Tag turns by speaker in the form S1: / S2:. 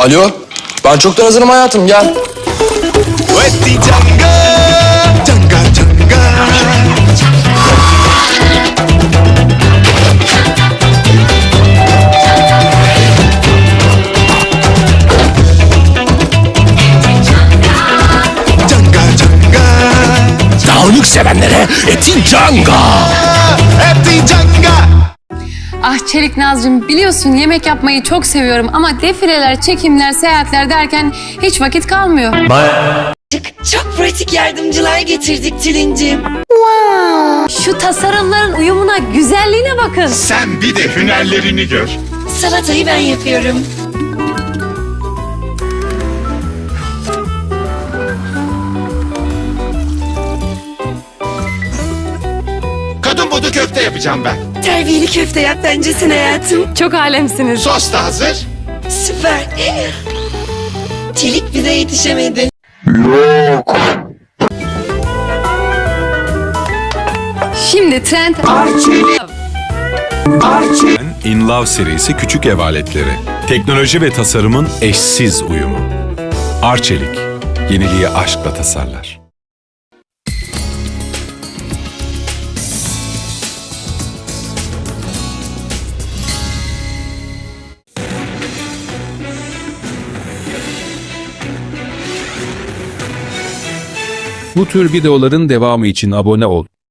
S1: Alo, ben çoktan hazırım hayatım, gel.
S2: Wetti Canga, Canga Canga. Canga Canga.
S3: Dağınık sevenlere Eti Canga.
S2: Wetti Canga.
S4: Ah Çelik Nazcığım, biliyorsun yemek yapmayı çok seviyorum ama defileler, çekimler, seyahatler derken hiç vakit kalmıyor.
S5: Çok pratik yardımcılar getirdik Tülin'cim.
S4: Şu tasarımların uyumuna, güzelliğine bakın.
S2: Sen bir de hünerlerini gör.
S5: Salatayı ben yapıyorum.
S2: Kadın budu köfte yapacağım ben.
S5: Terbiyeli köfte yap bence sen hayatım.
S4: Çok alemsiniz.
S2: Sos da hazır.
S5: Süper. Çelik bize yetişemedi.
S4: Şimdi trend...
S6: In Love serisi küçük ev aletleri. Teknoloji ve tasarımın eşsiz uyumu. Arçelik, yeniliği aşkla tasarlar.
S7: Bu tür videoların devamı için abone ol.